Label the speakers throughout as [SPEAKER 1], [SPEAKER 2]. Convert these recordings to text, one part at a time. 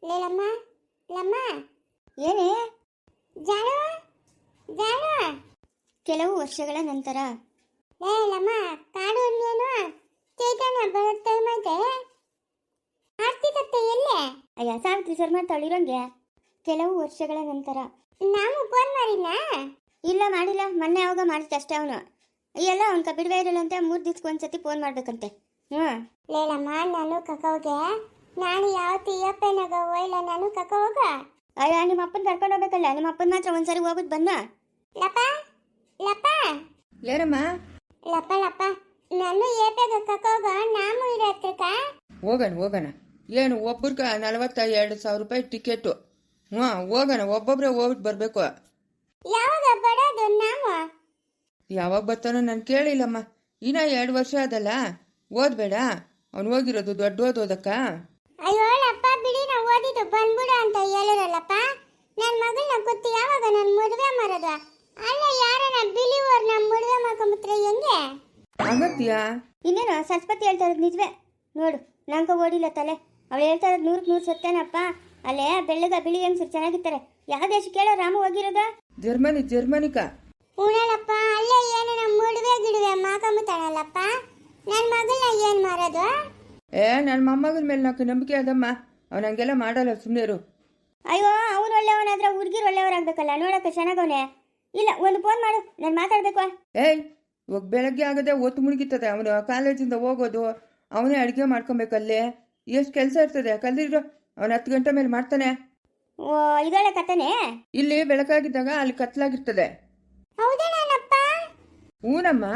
[SPEAKER 1] ಲಮ್ಮ ಲಮ್ಮ ಏನೇ ಜಾನು ಜಾನು
[SPEAKER 2] ಕೆಲವು ವರ್ಷಗಳ ನಂತರ
[SPEAKER 1] ಲಮ್ಮ ಕಾಡು ಇನ್ನೇನು ಚೈತನ್ಯ ಬರುತ್ತೆ ಮತ್ತೆ ಆರ್ತಿಕತ್ತೆ ಎಲ್ಲೇ
[SPEAKER 2] ಅಯ್ಯ ಸಾವಿತ್ರಿ ಸರ್ ಮಾಡ್ತಾಳಿರೋಂಗೆ. ಕೆಲವು ವರ್ಷಗಳ ನಂತರ
[SPEAKER 1] ನಾವು ಫೋನ್ ಮಾಡಿದ್ನ
[SPEAKER 2] ಇಲ್ಲ ಮಾಡಿಲ್ಲ, ಮೊನ್ನೆ ಯಾವಾಗ ಮಾಡಿದ್ದೆ ಅಷ್ಟೇ. ಅವನು ಎಲ್ಲ ಅವ್ನ ಬಿಡುವೆ ಇರಲ್ಲಂತೆ, 3 ದಿವ್ಸಕ್ಕೆ ಒಂದ್ಸತಿ ಫೋನ್ ಮಾಡ್ಬೇಕಂತೆ.
[SPEAKER 1] ಲಮ್ಮ ನಾನು ಕಕೋಗೆ ನಾನು ಯಾವತ್ತು ಅಪ್ಪನಾಗ ಹೋಯ್ಲ ನಾನು ಕಕೋಗ.
[SPEAKER 2] ಅಯ್ಯ ನಿಮ್ಮ ಅಪ್ಪನ ಕರ್ಕೊಂಡು ಹೋಗ್ಬೇಕಲ್ಲ, ನಿಮ್ಮ ಅಪ್ಪನ ಮಾತ್ರ ಒಂದ್ಸರಿ ಹೋಗ್ಬಿಟ್ಟು ಬನ್ನ.
[SPEAKER 1] ಲಪ್ಪ ಲಪ್ಪ
[SPEAKER 3] ಏರಮ್ಮ
[SPEAKER 1] ಲಪ್ಪ ಲಪ್ಪ ನಾನು ಏಪೆಗ ಕಕೋಗ ನಾಮು ಇರೋ ಹತ್ರಕ್ಕ
[SPEAKER 3] ಹೋಗೋಣ ಏನು ಒಬ್ಬರ್ಗ 42,000 ರೂಪಾಯಿ ಟಿಕೆಟು. ಹೋಗೋಣ, ಒಬ್ಬೊಬ್ರೆ ಹೋಗ್ಬಿಟ್ಟು ಬರಬೇಕು.
[SPEAKER 1] ಯಾವಾಗ ಬರೋದು ನಾಮು?
[SPEAKER 3] ಯಾವಾಗ ಬರ್ತಾನೋ ನಾನು ಕೇಳಿಲ್ಲಮ್ಮ. ಇನ್ನ 2 ವರ್ಷ ಅದಲ್ಲ, ಓದ್ಬೇಡ. ಅವ್ನು ಹೋಗಿರೋದು ದೊಡ್ಡ ಓದೋದಕ್ಕ.
[SPEAKER 1] ಅಯ್ಯೋ ಲಪ್ಪ ಬಿಡಿ, ನಾವು ಓದಿದ್ದು ಬಂದ್ಬಿಡು ಅಂತ ಹೇಳಿರಲ್ಲಪ್ಪ. ನನ್ನ ಮಗಳನ್ನ ಗೊತ್ತು ಯಾವಾಗ ನಾನು ಮದುವೆ ಮಾಡೋದು? ಅಲ್ಲ ಯಾರನ್ನ ಬಿಲಿವರ್ ನಮ್ಮ ಮದುವೆ ಮಾಡ್ಕೊಂಬಿಟ್ರೆ ಹೆಂಗೆ?
[SPEAKER 3] ಆಗತ್ತೀಯಾ?
[SPEAKER 2] ಇನ್ನೇನು ಸರಸ್ವತಿ ಹೇಳ್ತಾ ಇರೋದು ನಿಜವೇ ನೋಡು, ನಂಗೆ ಓಡಿಲ್ಲ ತಲೆ. ಅವಳು ಹೇಳ್ತಾ ಇರೋದು 100% ಸತ್ಯನಪ್ಪ. ಅಲ್ಲೇ ಬೆಳ್ಳಗ ಬಿಳಿ ಹೆಂಗ್ಸರು ಚೆನ್ನಾಗಿರ್ತಾರೆ. ಯಾವ ದೇಶಕ್ಕೆ ಹೇಳೋ ರಾಮು ಹೋಗಿರೋದು?
[SPEAKER 3] ಜರ್ಮನಿಕ.
[SPEAKER 1] ಉಣಲಪ್ಪ ಅಲ್ಲೇ ಏನು ನಮ್ಮ ಮದುವೆ ಗಿಡುವೆ ಮಾಡ್ಕೊಂಬಿಟ್ಟಾಳಲ್ಲಪ್ಪ. ನನ್ನ ಮಗಳನ್ನ ಏನು ಮಾಡೋದು?
[SPEAKER 3] ನನ್ನ ಮೊಮ್ಮಗನ ಮೇಲೆ ನಾಲ್ಕು ನಂಬಿಕೆ ಅದಮ್ಮ. ಅವ್ನು ಹಂಗೆಲ್ಲ ಮಾಡಲ್ಲ, ಸುಮ್ಮನೆರು.
[SPEAKER 2] ಅಯ್ಯೋ ಅವನು ಒಳ್ಳೆಯವನಾದ್ರೆ ಹುಡುಗಿರು ಒಳ್ಳೆಯವರಾಗಬೇಕಲ್ಲ, ನೋಡಕ್ಕೆ ಚೆನ್ನಾಗವನೇ. ಇಲ್ಲ, ಒಂದು ಫೋನ್ ಮಾಡು, ನಾನು ಮಾತಾಡಬೇಕು.
[SPEAKER 3] ಇವಾಗ ಬೆಳಗ್ಗೆ ಆಗದೆ ಒತ್ತು ಮುಳುಗಿರ್ತದೆ. ಅವನು ಕಾಲೇಜಿಂದ ಹೋಗೋದು, ಅವನೇ ಅಡುಗೆ ಮಾಡ್ಕೊಬೇಕಲ್ಲೇ. ಎಷ್ಟು ಕೆಲಸ ಇರ್ತದೆ. ಕಲ್ದಿರೋ ಅವನು 10 ಗಂಟೆ ಮೇಲೆ ಮಾಡ್ತಾನೆ.
[SPEAKER 2] ಓ ಇದೊಳ್ಳೆ ಕಥೆನೇ.
[SPEAKER 3] ಇಲ್ಲಿ ಬೆಳಕಾಗಿದ್ದಾಗ ಅಲ್ಲಿ ಕತ್ಲಾಗಿರ್ತದೆ.
[SPEAKER 1] ಹೌದೇನಪ್ಪ?
[SPEAKER 3] ಹೂನಮ್ಮ,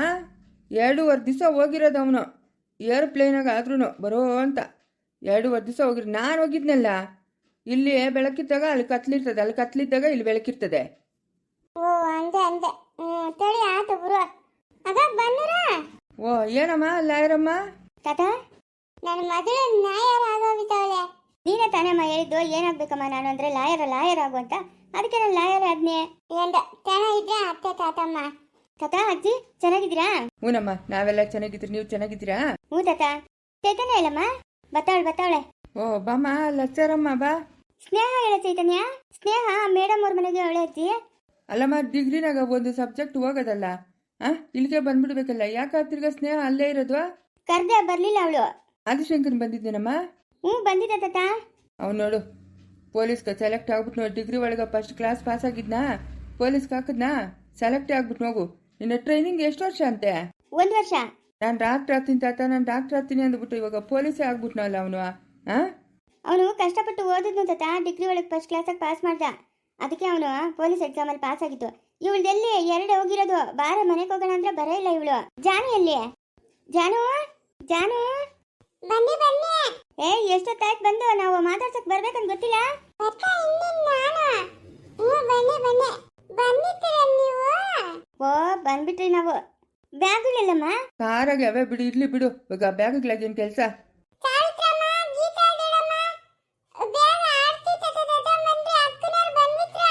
[SPEAKER 3] 2.5 ದಿವಸ ಹೋಗಿರೋದು ಅವನು. ಏರೋಪ್ಲೇನಾಗ ಆದ್ರೂ ಬರೋ ಅಂತ 2.5 ದಿವಸ ಹೋಗಿರೋ. ನಾನು ಹೋಗಿದ್ನಲ್ಲ, ಇಲ್ಲಿ ಬೆಳಕಿದ್ದಾಗ ಅಲ್ಲಿ ಕತ್ಲಿರ್ತದೆ, ಅಲ್ಲಿ ಕತ್ಲಿದ್ದಾಗ ಇಲ್ಲಿ ಬೆಳಕಿರ್ತದೆ.
[SPEAKER 1] ಓ ಅಂದೆ ಅಂದೆ. ತಡಿ ಆತು ಬರು. ಆಗ ಬನ್ನೂರ.
[SPEAKER 3] ಓ ಏನಮ್ಮ ಲಾಯರಮ್ಮ?
[SPEAKER 2] ತಾತ
[SPEAKER 1] ನನ್ನ ಮಗಳು ನ್ಯಾಯಾರ ಆಗೋಗಿದ್ದಾಳೆ.
[SPEAKER 2] ನೀನೇ ತಾನೇಮ್ಮ ಹೇಳಿದ್ದು ಏನಾಗ್ಬೇಕಮ್ಮ ನಾನು ಅಂದ್ರೆ ಲಾಯರ್ ಆಗು ಅಂತ. ಅದಕ್ಕೆ ನಾನು ಲಾಯರ್ ಆದ್ನೆ.
[SPEAKER 1] ಎಂದ ಚೆನ್ನಾಗಿದ್ರೆ ಅತ್ತೆ ತಾತಮ್ಮ.
[SPEAKER 2] ತಾತ ಅಜ್ಜಿ ಚೆನ್ನಾಗಿದ್ದೀರಾ?
[SPEAKER 3] ಹೂನಮ್ಮ, ನಾವೆಲ್ಲ ಚೆನ್ನಾಗಿದ್ರಿ. ನೀವು ಚೆನ್ನಾಗಿದ್ದೀರಾ?
[SPEAKER 2] ಹ್ಞೂ ತಾತ. ಚೈತನ್ಯ ಇಲ್ಲಮ್ಮ? ಬತ್ತಾವಳೆ.
[SPEAKER 3] ಓ ಬಾಮ್ಮ, ಲಚ್ಚರಮ್ಮ ಬಾ.
[SPEAKER 2] ಸ್ನೇಹ ಹೇಳ ಚೈತನ್ಯ. ಸ್ನೇಹ ಮೇಡಮ್ ಅವ್ರ ಮನೆಗೆ ಅವಳೆ ಅಜ್ಜಿ.
[SPEAKER 3] ಅಲ್ಲಮ್ಮ, ಡಿಗ್ರಿನಾಗ ಒಂದು ಸಬ್ಜೆಕ್ಟ್ ಹೋಗೋದಲ್ಲ, ಇಲ್ಲಿಗೆ ಬಂದ್ಬಿಡ್ಬೇಕಲ್ಲ. ಯಾಕೆ ತಿರ್ಗಾ ಸ್ನೇಹ ಅಲ್ಲೇ ಇರೋದು?
[SPEAKER 2] ಕರ್ದೆ ಬರ್ಲಿಲ್ಲ ಅವಳು.
[SPEAKER 3] ಆದಿಶಂಕರ್ ಬಂದಿದ್ದೇನಮ್ಮ?
[SPEAKER 2] ಹ್ಞೂ ಬಂದಿದ್ದ ತಾತ.
[SPEAKER 3] ಅವ್ನು ನೋಡು, ಪೊಲೀಸ್ಗೆ ಸೆಲೆಕ್ಟ್ ಆಗ್ಬಿಟ್ಟು ನೋಡಿ. ಡಿಗ್ರಿ ಒಳಗೆ ಫಸ್ಟ್ ಕ್ಲಾಸ್ ಪಾಸ್ ಆಗಿದ್ನಾ, ಪೊಲೀಸ್ಗೆ ಹಾಕಿದ್ನಾ, ಸೆಲೆಕ್ಟ್ ಆಗ್ಬಿಟ್ಟು ಹೋಗು. ನಿನ್ನ ಟ್ರೈನಿಂಗ್ ಎಷ್ಟು ವರ್ಷ ಅಂತೆ?
[SPEAKER 2] 1 ವರ್ಷ.
[SPEAKER 3] ನಾನು ಡಾಕ್ಟರ್ ಆಗ್ತೀನಿ ತಾತ, ನಾನು ಡಾಕ್ಟರ್ ಆಗ್ತೀನಿ ಅಂದ್ಬಿಟ್ಟು ಇವಾಗ ಪೊಲೀಸೇ ಆಗ್ಬಿಟ್ನಲ್ಲ ಅವನು.
[SPEAKER 2] ಅವನು ಕಷ್ಟಪಟ್ಟು ಓದಿದ್ನು ತಾತ. ಡಿಗ್ರಿ ಒಳಗೆ ಫಸ್ಟ್ ಕ್ಲಾಸಾಗಿ ಪಾಸ್ ಮಾಡ್ದ. ಅದಕ್ಕೆ ಅವನು ಪೊಲೀಸ್ ಎಕ್ಸಾಮಲ್ಲಿ ಪಾಸ್ ಆಗಿತ್ತು. ಇವಳ್ದೆಲ್ಲಿ 2 ಹೋಗಿರೋದು. ಬಾರ ಮನೆಗೆ ಹೋಗೋಣ ಅಂದ್ರೆ ಬರೇ ಇಲ್ಲ ಇವಳು. ಜಾನು ಎಲ್ಲಿ? ಜಾನು
[SPEAKER 1] ಬನ್ನಿ ಬನ್ನಿ.
[SPEAKER 2] ಎಷ್ಟೊತ್ತಾಯ್ತು ಬಂದು? ನಾವು ಮಾತಾಡ್ಸಕ್ ಬರ್ಬೇಕಂತ ಗೊತ್ತಿಲ್ಲ.
[SPEAKER 1] ಅಕ್ಕ ಇನ್ನೇನು ನಾನು? ಬನ್ನಿ ಬನ್ನಿ ಬಂದಿದ್ದೀರ ನೀವು?
[SPEAKER 2] ಓ ಬಂದ್ಬಿಟ್ರಿ ನಾವು. ಬ್ಯಾಗುಗಳಿಲ್ಲಮ್ಮ?
[SPEAKER 3] ಕಾರಾಗೆ ಅವೇ ಬಿಡು, ಇರ್ಲಿ ಬಿಡು. ಇವಾಗ ಬ್ಯಾಗ್ಗಳಾಗೇನು ಕೆಲಸ?
[SPEAKER 1] ಸಾವಿತ್ರಮ್ಮ, ಗೀತಾ ಇದ್ದಾಳಮ್ಮ. ಬೇಗ ಆರ್ತಿ ತಟ್ಟದ ಬಂದ್ರಿ. ಅಕ್ಕನವ್ರು ಬಂದ್ಬಿಟ್ರ.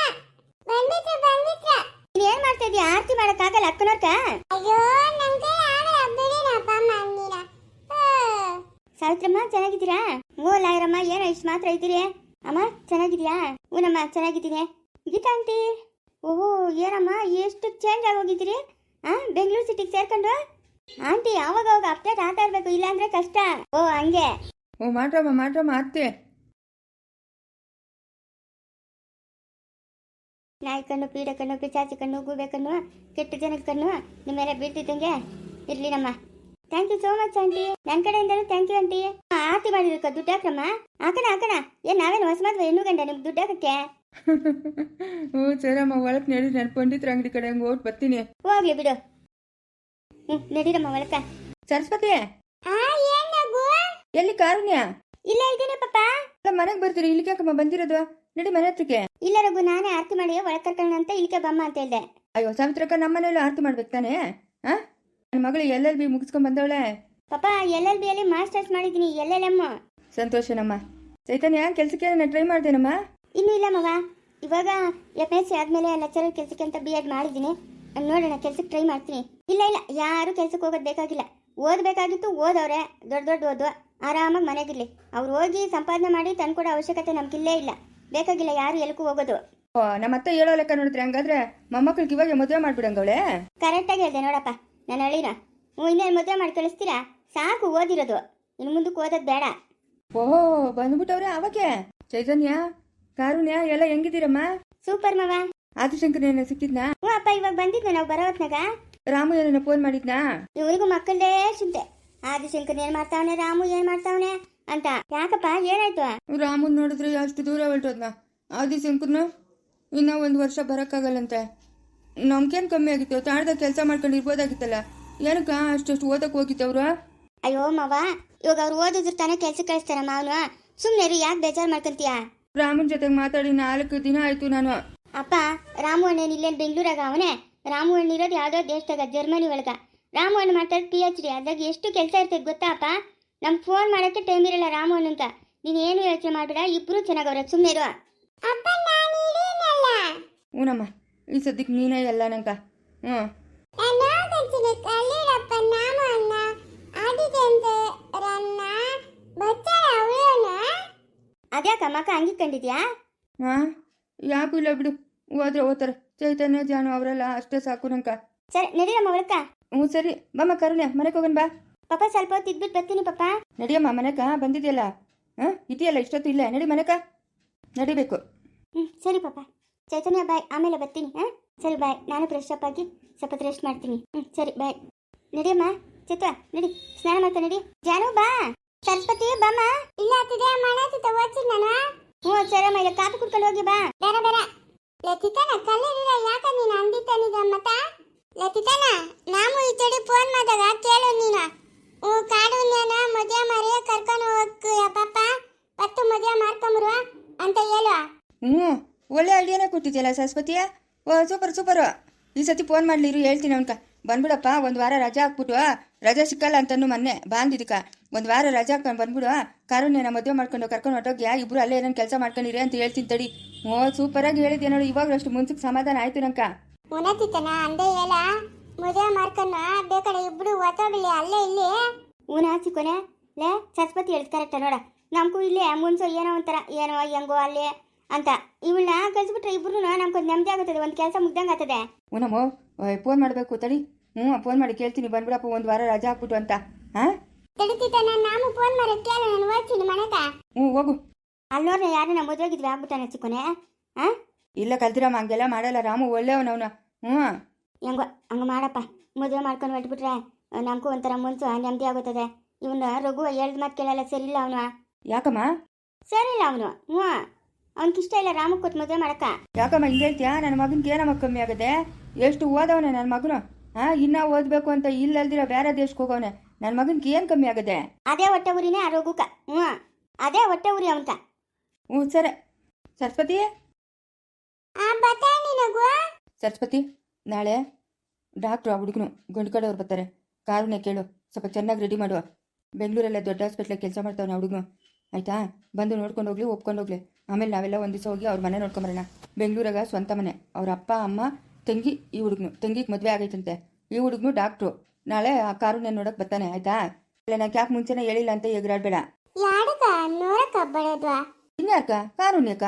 [SPEAKER 2] ನೀನ್ ಏನ್ ಮಾಡ್ತಾ ಇದೀಯ? ಆರತಿ ಮಾಡಕ್ಕಾಗಲ್ಲ ಅಕ್ಕನವ್ರಕ?
[SPEAKER 1] ಅಯ್ಯೋ ನಂಗೆ ಯಾರು ಬಿಡಿನಪ್ಪ ಮಂದಿರ.
[SPEAKER 2] ಸಾವಿತ್ರಮ್ಮ ಚೆನ್ನಾಗಿದ್ದೀರಾ? ಓ ಲಾಯರಮ್ಮ, ಏನೋ ಇಷ್ಟು ಮಾತ್ರ ಇದ್ದೀರಿ. ಅಮ್ಮ ಚೆನ್ನಾಗಿದ್ಯಾ? ಹೂನಮ್ಮ ಚೆನ್ನಾಗಿದ್ದೀನಿ. ಗೀತಾ ಆಂಟಿ, ಓಹೋ ಏನಮ್ಮ ಎಷ್ಟು ಚೇಂಜ್ ಆಗೋಗಿದ್ದೀರಿ? ಬೆಂಗಳೂರು ಸಿಟಿಗೆ ಸೇರ್ಕೊಂಡು? ಆಂಟಿ ಅವಾಗ ಅಪ್ಡೇಟ್ ಆಗ್ತಾ ಇರ್ಬೇಕು, ಇಲ್ಲಾಂದ್ರೆ ಕಷ್ಟ. ಓ ಹಂಗೆ.
[SPEAKER 3] ಓ ಮಾಡ್ರಮ್ಮ ಅತ್ತೆ.
[SPEAKER 2] ನಾಯಿ ಕಣ್ಣು, ಪೀಡೆ ಕಣ್ಣು, ಪಿಚಾಚಿ ಕಣ್ಣು, ಗೂಬೆ ಕಣ್ಣು, ಕೆಟ್ಟ ಜನದ ಕಣ್ಣು ನಿಮ್ಮೆಲ್ಲ ಬೀಳ್ತಿದ್ದಂಗೆ ಇರ್ಲಿ ನಮ್ಮ. Thank you so much aunty. ನನ್ನ ಕಡೆಯಿಂದಲೂ ಥ್ಯಾಂಕ್ ಯು ಆಂಟಿ. ಆರತಿ ಮಾಡಿರಕ್ಕ ದುಡ್ಡು ಹಾಕಮ್ಮ. ಹಾಕಣ. ಏನ್ ನಾವೇನು ಹೊಸ ಮದ್ವೆ ಹೆಣ್ಣು ಗಂಡ ನಿಮ್ಗೆ ದುಡ್ಡು ಹಾಕಕ್ಕೆ?
[SPEAKER 3] ಹ್ಞೂ ಸರಮ್ಮ, ಒಳಕ್ ನಡಿ. ನಾನು ಪಂಡಿತರ ಅಂಗಡಿ ಕಡೆ ಹಂಗೆ ಓಟ್ ಬರ್ತೀನಿ.
[SPEAKER 2] ಹೋಗ್ಲಿ ಬಿಡು. ನಡೀರಮ್ಮ ಒಳಕ.
[SPEAKER 3] ಸರಸ್ವತಿ,
[SPEAKER 1] ಏನಗು?
[SPEAKER 3] ಎಲ್ಲಿ ಕಾರುಣ್ಯ?
[SPEAKER 2] ಇಲ್ಲ ಇದ್ದೀನಿ ಪಾಪ.
[SPEAKER 3] ಮನೆಗೆ ಬರ್ತೀರಿ, ಇಲ್ಲಿಗೆ ಯಾಕಮ್ಮ ಬಂದಿರೋದು? ನಡಿ ಮನೆ ಹತ್ರಕ್ಕೆ.
[SPEAKER 2] ಇಲ್ಲ ರಘು, ನಾನೇ ಆರತಿ ಮಾಡಿ ಒಳಗೆ ಕರ್ಕೊಳ್ಳೋಣ ಅಂತ ಇಲ್ಲಿಗೆ ಬಮ್ಮ ಅಂತ ಹೇಳ್ದೆ.
[SPEAKER 3] ಅಯ್ಯೋ ಸಾವಿತ್ರಕ್ಕ, ನಮ್ಮ ಮನೇಲೂ ಆರತಿ ಮಾಡ್ಬೇಕು ತಾನೇ? ನನ್ನ ಮಗಳು LLB ಮುಗಿಸ್ಕೊಂಡ್ ಬಂದವಳೆ.
[SPEAKER 2] ಪಾಪ LLB ಅಲ್ಲಿ ಮಾಸ್ಟರ್ಸ್ ಮಾಡಿದ್ದೀನಿ, LLM.
[SPEAKER 3] ಸಂತೋಷನಮ್ಮ. ಚೈತನ್ಯ, ಕೆಲ್ಸಕ್ಕೆ ನಾನು ಟ್ರೈ ಮಾಡ್ದೇನಮ್ಮ?
[SPEAKER 2] ಇನ್ನೂ ಇಲ್ಲ ಮಗ. ಇವಾಗ FSC ಆದ್ಮೇಲೆ ಲೆಕ್ಚರರ್ ಕೆಲಸಕ್ಕೆ ಅಂತ B.Ed ಮಾಡಿದ್ದೀನಿ. ನೋಡೋಣ, ಕೆಲ್ಸಕ್ಕೆ ಟ್ರೈ ಮಾಡ್ತೀನಿ. ಇಲ್ಲ ಯಾರು ಕೆಲ್ಸಕ್ಕೆ ಹೋಗೋದು ಬೇಕಾಗಿಲ್ಲ. ಓದಬೇಕಾಗಿತ್ತು ಓದವ್ರೆ, ದೊಡ್ಡ ಓದು. ಆರಾಮಾಗಿ ಮನೆಗಿರ್ಲಿ. ಅವ್ರು ಹೋಗಿ ಸಂಪಾದನೆ ಮಾಡಿ ತಂದ್ಕೊಡೋ ಅವಶ್ಯಕತೆ ನಮ್ಗಿಲ್ಲೇ ಇಲ್ಲ. ಬೇಕಾಗಿಲ್ಲ ಯಾರು ಎಲ್ಗೂ ಹೋಗೋದು.
[SPEAKER 3] ಓ ನಮ್ಮತ್ತೆ ಹೇಳೋ ಲೆಕ್ಕ ನೋಡಿದ್ರೆ ಹಂಗಾದ್ರೆ ಮೊಮ್ಮಕ್ಳಿಗೆ ಇವಾಗ ಮದುವೆ ಮಾಡ್ಬಿಡಂಗವಳೆ.
[SPEAKER 2] ಕರೆಕ್ಟಾಗಿ ಹೇಳ್ದೆ ನೋಡಪ್ಪ ನನ್ನ ಹಳ್ಳಿನ. ಇನ್ನೇನು ಮದುವೆ ಮಾಡಿ ಕಳಿಸ್ತೀರಾ? ಸಾಕು ಓದಿರೋದು, ಇನ್ನು ಮುಂದಕ್ಕೆ ಓದೋದು ಬೇಡ.
[SPEAKER 3] ಓಹೋ ಬಂದ್ಬಿಟ್ಟವ್ರೆ ಅವಾಗೆ. ಚೈತನ್ಯ ಕಾರುಣ್ಯ ಎಲ್ಲ ಹೆಂಗಿದ್ದೀರಮ್ಮ?
[SPEAKER 2] ಸೂಪರ್ ಮಾವ.
[SPEAKER 3] ಆದಿಶಂಕರ್ ಏನ ಸಿಕ್ಕಿದ್ನಾ?
[SPEAKER 2] ಹ್ಞೂ ಅಪ್ಪ, ಇವಾಗ ಬಂದಿದ್ನ ನಾವು ಬರೋ ಹೊತ್ನಾಗ.
[SPEAKER 3] ರಾಮು ಏನೇನ ಫೋನ್ ಮಾಡಿದ್ನಾ?
[SPEAKER 2] ಇವ್ರಿಗೂ ಮಕ್ಕಳದೇ ಚಿಂತೆ. ಆದಿಶಂಕರ್ ಏನ್ ಮಾಡ್ತಾವನೆ, ರಾಮು ಏನ್ ಮಾಡ್ತಾವನೆ ಅಂತ. ಯಾಕಪ್ಪ ಏನಾಯ್ತು?
[SPEAKER 3] ರಾಮನ್ ನೋಡಿದ್ರೆ ಅಷ್ಟು ದೂರ ಹೊರಟೋದ್ನ. ಆದಿಶಂಕರ್ನು ಇನ್ನ 1 ವರ್ಷ ಬರಕ್ಕಾಗಲ್ಲಂತೆ. ನಮ್ಗೇನು ಕಮ್ಮಿ ಆಗಿತ್ತು? ತಾಳ್ದಾಗ ಕೆಲಸ ಮಾಡ್ಕೊಂಡು ಇರ್ಬೋದಾಗಿತ್ತಲ್ಲ. ಏನಕ್ಕ ಅಷ್ಟು ಓದಕ್ಕೆ ಹೋಗಿತ್ತವ್ರು?
[SPEAKER 2] ಅಯ್ಯೋ ಮಾವ, ಇವಾಗ ಅವ್ರು ಓದಿದ್ರು ತಾನೇ ಕೆಲ್ಸಕ್ಕೆ ಕಳಿಸ್ತಾರ ಮಾವನು. ಸುಮ್ಮನೆ ಯಾಕೆ ಬೇಜಾರು ಮಾಡ್ಕೊಂತೀಯ?
[SPEAKER 3] ರಾಮನ್ ಜೊತೆಗೆ ಮಾತಾಡಿ 4 ದಿನ ಆಯ್ತು ನಾನು.
[SPEAKER 2] ಅಪ್ಪ, ರಾಮು ಅಣ್ಣೇನು ಇಲ್ಲೇನು ಬೆಂಗಳೂರಾಗ ಅವನೇ? ರಾಮು ಅಣ್ಣ ಇರೋದು ಯಾವುದೋ ದೇಶದಾಗ, ಜರ್ಮನಿ ಒಳಗ. ರಾಮು ಅಣ್ಣ ಮಾಡ್ತಾರೆ PhD. ಅದಾಗ ಎಷ್ಟು ಕೆಲಸ ಇರ್ತೈತೆ ಗೊತ್ತಾ ಅಪ್ಪ? ನಮ್ಗೆ ಫೋನ್ ಮಾಡೋಕ್ಕೆ ಟೈಮ್ ಇರಲ್ಲ ರಾಮು ಅಣ್ಣಂತ. ನೀನು ಏನು ಯೋಚನೆ ಮಾಡಬೇಡ, ಇಬ್ರು ಚೆನ್ನಾಗವ್ರೆ, ಸುಮ್ಮನೆ ಇರುವ.
[SPEAKER 3] ಹ್ಞೂನಮ್ಮ, ಈ ಸದ್ಯಕ್ಕೆ ನೀನೇ ಎಲ್ಲ ನಂಕ. ಹ್ಞೂ
[SPEAKER 2] ಅದ್ಯಾಕ ಮಕ್ಕ ಹಂಗಿ ಕಂಡಿದ್ಯಾ?
[SPEAKER 3] ಹಾಂ ಯಾಕೂ ಇಲ್ಲ ಬಿಡು, ಹೋದ್ರೆ ಓದ್ತಾರೆ. ಚೈತನ್ಯ ಜಾನು ಅವರೆಲ್ಲ ಅಷ್ಟೇ ಸಾಕು ನಂಕ.
[SPEAKER 2] ಸರಿ ನಡಿಯಮ್ಮ ಒಳಕ.
[SPEAKER 3] ಹ್ಞೂ ಸರಿ ಬಮ್ಮ ಕರುಣ್ಯ, ಮನೆಗೆ ಹೋಗೋಣ ಬಾ.
[SPEAKER 2] ಪಾಪ ಸ್ವಲ್ಪ ಹೊತ್ತು ಇದ್ಬಿಟ್ಟು ಬರ್ತೀನಿ ಪಾಪ.
[SPEAKER 3] ನಡಿಯಮ್ಮ ಮನೆಕ, ಬಂದಿದೆಯಲ್ಲ. ಹಾಂ ಇದೆಯಲ್ಲ ಇಷ್ಟೊತ್ತು ಇಲ್ಲೇ ನಡಿ ಮನೆಕ, ನಡಿಬೇಕು.
[SPEAKER 2] ಸರಿ ಪಾಪ. ಚೈತನ್ಯ ಬಾಯ್, ಆಮೇಲೆ ಬರ್ತೀನಿ. ಹಾಂ ಸರಿ ಬಾಯ್. ನಾನು ಫ್ರೆಶ್ ಅಪ್ ಆಗಿ ಸ್ವಲ್ಪ ರೆಸ್ಟ್ ಮಾಡ್ತೀನಿ. ಸರಿ ಬಾಯ್. ನಡಿಯಮ್ಮ ಚೈತ್ರ, ನಡಿ ಸ್ನಾನ ಮಾಡ್ತಾ ನಡಿ. ಜಾನು ಬಾ. ಸರಸ್ವತಿ ಬಾಮ್ಮ.
[SPEAKER 1] ಇಲ್ಲ ಅತ್ತಿದೆ ಮಾಡಾತಿದ್ದೆ ಓದ್ತೀನಿ ನಾನು.
[SPEAKER 2] ಹ್ಞೂ ಸರಮ್ಮ, ಇಲ್ಲ ಕಾಫಿ ಕುಡ್ಕೊಂಡು ಹೋಗಿ ಬಾ.
[SPEAKER 1] ಬೇರೆ ಬೇರೆ ಲತಿತಾನ ಕಲ್ಲಿರ ಯಾಕ ನೀನು ಅಂದಿದ್ದಾನಿದ ಮತ್ತ? ಲತಿತಾನ ನಾವು ಈ ತಡಿ ಫೋನ್ ಮಾಡಿದಾಗ ಕೇಳು ನೀನು. ಕಾಡುನ್ಯಾನ ಮದುವೆ ಮಾರಿ ಕರ್ಕೊಂಡು ಹೋಗ್ತೀಯ ಪಾಪ, ಪತ್ತು ಮದುವೆ ಮಾಡ್ಕೊಂಬರು ಅಂತ ಹೇಳು.
[SPEAKER 3] ಹ್ಞೂ ಒಳ್ಳೆ ಐಡಿಯಾನೇ ಕೊಟ್ಟಿದ್ಯಲ್ಲ ಸರಸ್ವತಿಯ. Oh super super. ಈ ಸತಿ ಫೋನ್ ಮಾಡ್ಲಿರು, ಹೇಳ್ತೀನಿ ಅವನ್ಕ. ಬಂದ್ಬಿಡಪ್ಪ, 1 ವಾರ ರಜಾ ಹಾಕ್ಬಿಟ್ಟು, ರಜಾ ಸಿಕ್ಕಲ್ಲ ಅಂತನೂ ಮೊನ್ನೆ ಬಾಂದಿದ್ದಕ್ಕ 1 ವಾರ ರಜಾ ಹಾಕೊಂಡು ಬಂದ್ಬಿಡು. ಕಾರುಣ್ಯನ ಮದುವೆ ಮಾಡ್ಕೊಂಡು ಕರ್ಕೊಂಡು ಹೊಟ್ಟೋಗ್ಯಾ, ಇಬ್ರು ಅಲ್ಲೇ ಏನೇನು ಕೆಲಸ ಮಾಡ್ಕೊಂಡಿರಿ ಅಂತ ಹೇಳ್ತೀನಿ ತಡಿ. ಓ ಸೂಪರಾಗಿ ಹೇಳಿದ್ಯಾ ನೋಡಿ, ಇವಾಗ ಅಷ್ಟು ಮುನ್ಸಕ್ಕೆ ಸಮಾಧಾನ ಆಯ್ತು ನಂಕ.
[SPEAKER 1] ಉಣತಿತ್ತನ ಅಂದೇ ಹೇಳ, ಮದುವೆ ಮಾಡ್ಕೊಂಡು ಬೇಕಾದ್ರೆ ಇಬ್ರು ಓದ್ಬಿಡಿ ಅಲ್ಲೇ ಇಲ್ಲಿ.
[SPEAKER 2] ಊನ ಚಿಕ್ಕೋನೆ ಲೇ ಸರಸ್ವತಿ ಹೇಳ್ದು ಕರೆಕ್ಟ ನೋಡ. ನಮಗೂ ಇಲ್ಲೇ ಮುನ್ಸೋ ಏನೋ ಒಂಥರ ಏನೋ ಹೆಂಗೋ ಅಲ್ಲೇ ಅಂತ. ಇವಳನ್ನ ಕಳಿಸ್ಬಿಟ್ರೆ ಇಬ್ರು ನಮ್ಗೊಂದು ನೆಮ್ಮದಿ ಆಗುತ್ತದೆ, ಒಂದು ಕೆಲಸ ಮುಗ್ದಂಗೆ ಆಗ್ತದೆ.
[SPEAKER 3] ಹ್ಞೂನಮ್ಮ ಫೋನ್ ಮಾಡಬೇಕು ತಡಿ. ಫೋನ್ ಮಾಡಿ ಕೇಳ್ತೀನಿ, ಬಂದ್ಬಿಡಪ್ಪ 1 ವಾರ ರಜಾ ಹಾಕ್ಬಿಟ್ಟು ಅಂತ. ಹಾಂ
[SPEAKER 1] ತಡಿತಿದ್ದಾನ, ನಾನು ಫೋನ್ ಮಾಡಿ ಕೇಳ, ನಾನು ಓದ್ತೀನಿ ಮನೆಗ.
[SPEAKER 3] ಹೋಗು.
[SPEAKER 2] ಅಲ್ಲೋರ್ನ ಯಾರನ್ನ ಮದುವೆಗಿದ್ವಿ ಆಗ್ಬಿಟ್ಟಾನೆ ಚಿಕ್ಕೋನೆ. ಹಾಂ
[SPEAKER 3] ಇಲ್ಲ ಕಲ್ತಿರಮ್ಮ, ಹಂಗೆಲ್ಲ ಮಾಡಲ್ಲ. ರಾಮು ಒಳ್ಳೆಯವನವನ.
[SPEAKER 2] ಹೆಂಗೋ ಹಂಗೆ ಮಾಡಪ್ಪ. ಮದುವೆ ಮಾಡ್ಕೊಂಡು ಹೊಟ್ಬಿಟ್ರೆ ನಮಗೂ ಒಂಥರ ಮುನ್ಸು ನೆಮ್ಮದಿ ಆಗುತ್ತದೆ. ಇವನ್ನ ರಘು ಹೇಳ್ದ ಮಾತು ಕೇಳಲ್ಲ, ಸರಿಯಿಲ್ಲ ಅವನು.
[SPEAKER 3] ಯಾಕಮ್ಮ?
[SPEAKER 2] ಸರಿಯಿಲ್ಲ ಅವನು. ಅವ್ನಿಗಿಷ್ಟ ಇಲ್ಲ ರಾಮಕ್ಕೆ ಕೊಟ್ಟು ಮದುವೆ ಮಾಡಕ್ಕ.
[SPEAKER 3] ಯಾಕಮ್ಮ ಹಿಂಗೆ ಹೇಳ್ತೀಯಾ? ನನ್ನ ಮಗನಿಗೆ ಏನಮ್ಮ ಕಮ್ಮಿ ಆಗದೆ? ಎಷ್ಟು ಓದವನೆ ನನ್ನ ಮಗನು. ಇನ್ನೂ ಓದಬೇಕು ಅಂತ ಇಲ್ಲಲ್ದಿರ ಬೇರೆ ದೇಶಕ್ಕೆ ಹೋಗವನೆ. ನನ್ನ ಮಗನಿಗೆ ಏನು ಕಮ್ಮಿ ಆಗದೆ?
[SPEAKER 2] ಅದೇ ಹೊಟ್ಟೆ ಊರಿನೇ ಆ ರಘುಕ. ಅದೇ ಹೊಟ್ಟೆ ಊರಿ ಅವನ್ಕ.
[SPEAKER 3] ಸರಿ ಸರಸ್ವತಿ. ಸರಸ್ವತಿ, ನಾಳೆ ಡಾಕ್ಟ್ರು ಆ ಹುಡುಗನು ಗಂಡು ಕಡೆಯವ್ರು ಬರ್ತಾರೆ. ಕಾರುಣ್ಯ ಕೇಳು, ಸ್ವಲ್ಪ ಚೆನ್ನಾಗಿ ರೆಡಿ ಮಾಡುವ. ಬೆಂಗಳೂರಲ್ಲೇ ದೊಡ್ಡ ಹಾಸ್ಪಿಟ್ಲಾಗ ಕೆಲಸ ಮಾಡ್ತಾವನೆ ಆ ಹುಡುಗನು. ಆಯಿತಾ? ಬಂದು ನೋಡ್ಕೊಂಡು ಹೋಗ್ಲಿ, ಒಪ್ಕೊಂಡು ಹೋಗ್ಲಿ. ಆಮೇಲೆ ನಾವೆಲ್ಲ ಒಂದು ದಿವಸ ಹೋಗಿ ಅವ್ರ ಮನೆ ನೋಡ್ಕೊಂಬರೋಣ. ಬೆಂಗಳೂರಾಗ ಸ್ವಂತ ಮನೆ. ಅವ್ರ ಅಪ್ಪ ಅಮ್ಮ ತಂಗಿ, ಈ ಹುಡುಗನು ತಂಗಿಗೆ ಮದುವೆ ಆಗೈತಂತೆ. ಈ ಹುಡುಗನು ಡಾಕ್ಟ್ರು. ನಾಳೆ ಆ ಕಾರುಣ್ಯ ನೋಡಕ್ಕೆ ಬರ್ತಾನೆ. ಆಯಿತಾ? ಇಲ್ಲ ನಾನು ಯಾಕೆ ಮುಂಚೆನೇ ಹೇಳಿಲ್ಲ ಅಂತ ಎಗರಾಡಬೇಡ. ಇನ್ಯಾಕ? ಕಾರುಣ್ಯಕ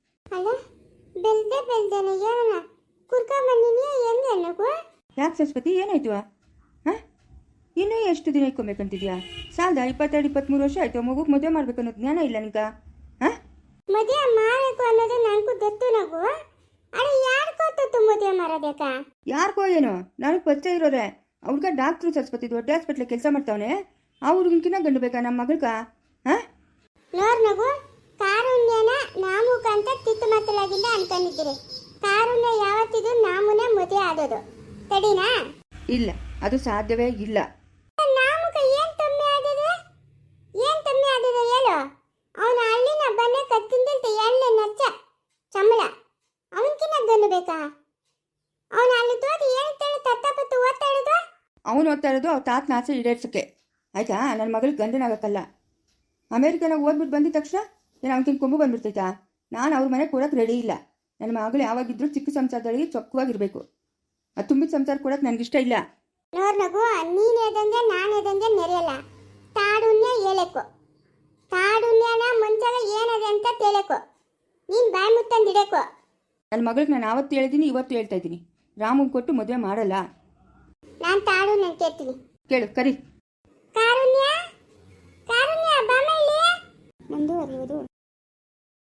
[SPEAKER 3] ಯಾಕೆ ಸರಸ್ವತಿ, ಏನಾಯ್ತು? ಇನ್ನೂ ಎಷ್ಟು ದಿನ ಇಟ್ಕೊಬೇಕಂತಿದ್ಯಾ? ಸಾಲದ 22-23 ವರ್ಷ ಆಯ್ತು. ಮಗುಗೆ ಮದುವೆ ಮಾಡ್ಬೇಕು ಅನ್ನೋದು ಜ್ಞಾನ ಇಲ್ಲ ನಿಂಗ?
[SPEAKER 1] ಮದುವೆ ಮಾಡಬೇಕು ಅನ್ನೋದು ನನಗೂ ಗೊತ್ತು ನಗು. ಅರೆ ಯಾರಿಗೋ ಗೊತ್ತು ಮದುವೆ ಮಾಡೋಬೇಕಾ?
[SPEAKER 3] ಯಾರಿಗೋ ಏನೋ, ನನಗೆ ಪರಿಚಯ ಇರೋರೆ. ಅವ್ರಿಗ ಡಾಕ್ಟ್ರು ಸರಸ್ವತಿ, ದೊಡ್ಡ ಹಾಸ್ಪಿಟ್ಲ ಕೆಲಸ ಮಾಡ್ತಾವನೆ. ಆ ಹುಡುಗನ್ಕಿನ್ನ ಗಂಡು ಬೇಕಾ ನಮ್ಮ ಮಗಳ್ಗ?
[SPEAKER 1] ನೋಡ್ ನಗು, ಕಾರುಣ್ಯನ ನಾಮುಕಂತ ತಿತ್ತು ಮಾತಲಾಗಿಂದ ಅನ್ಕೊಂಡಿದ್ದೀರಿ. ಕಾರುಣ್ಯ ಯಾವತ್ತಿದು ನಾಮುನೇ ಮದುವೆ ಆದೋದು. ತಡಿನಾ?
[SPEAKER 3] ಇಲ್ಲ, ಅದು ಸಾಧ್ಯವೇ ಇಲ್ಲ.
[SPEAKER 1] ನಾಮುಕ ಏನ್ ಕಮ್ಮಿ ಆದದೆ? ಏನ್ ಕಮ್ಮಿ ಆದದೆ ಹೇಳು? ಅವನ ಹಳ್ಳಿನ ಬನ್ನೆ ಕತ್ತಿಂದಂತ ಎಣ್ಣೆ ನಚ್ಚ ಚಂಬಳ. ಅವನ್ಕಿನ್ನ ಗಂಡು ಬೇಕಾ? ಅವನ ಅಲ್ಲಿ ತೋದಿ ಏನು ತೇಳಿ ತತ್ತಪತ್ತು ಓದ್ತಾ ಇರೋದು?
[SPEAKER 3] ಅವನು ಓದ್ತಾ ಇರೋದು ಅವ್ರ ತಾತನ ಆಸೆ ಈಡೇರ್ಸಕ್ಕೆ. ಆಯ್ತಾ? ನನ್ನ ಮಗಳಿಗೆ ಗಂಡನಾಗಕ್ಕಲ್ಲ. ಅಮೇರಿಕನಾಗ ಓದ್ಬಿಟ್ಟು ಬಂದಿದ ತಕ್ಷಣ ಏನು ಅವನಿಗೆ ಕೊಂಬು ಬಂದ್ಬಿಡ್ತೈತಾ? ನಾನು ಅವ್ರ ಮನೆಗೆ ಕೊಡೋಕೆ ರೆಡಿ ಇಲ್ಲ. ನನ್ನ ಮಗಳು ಯಾವಾಗಿದ್ರೂ ಚಿಕ್ಕ ಸಂಸಾರದಲ್ಲಿ ಚೊಕ್ಕವಾಗಿರಬೇಕು. ಅದು ತುಂಬಿದ ಸಂಸಾರ ಕೊಡೋಕೆ ನನಗಿಷ್ಟ ಇಲ್ಲ.
[SPEAKER 1] ನೋಡ್ ನಗು, ನೀನ್ ಎದಂಗೆ ನಾನು ಎದಂಗೆ ನೆರೆಯಲ್ಲ. ತಾಡುನ್ನೇ ಹೇಳಬೇಕು. ಕಾಡುಣ್ಯನ ಮಂಚಾಗ ಏನದೆ ಅಂತ ತಿಳಕೋ ನೀನ್ ಬಾಯಿ ಮುತ್ತಂದಿಡಕೋ.
[SPEAKER 3] ನನ್ನ ಮಗಳಿಗೆ ನಾನು ಆವತ್ತು ಹೇಳಿದ್ದೀನಿ, ಇವತ್ತು ಹೇಳ್ತಾ ಇದ್ದೀನಿ, ರಾಮಂಗೆ ಕೊಟ್ಟು ಮದುವೆ ಮಾಡಲ್ಲ.
[SPEAKER 1] ನಾನ್ ತಾಡುಣ್ಯ ಕೇಳ್ತೀನಿ.
[SPEAKER 3] ಕೇಳು, ಕರಿ.
[SPEAKER 1] ಕಾರುಣ್ಯ, ಕಾರುಣ್ಯ ಬಾಮ ಇಲ್ಲಿ.
[SPEAKER 2] ಮುಂದುವರಿಯುವುದು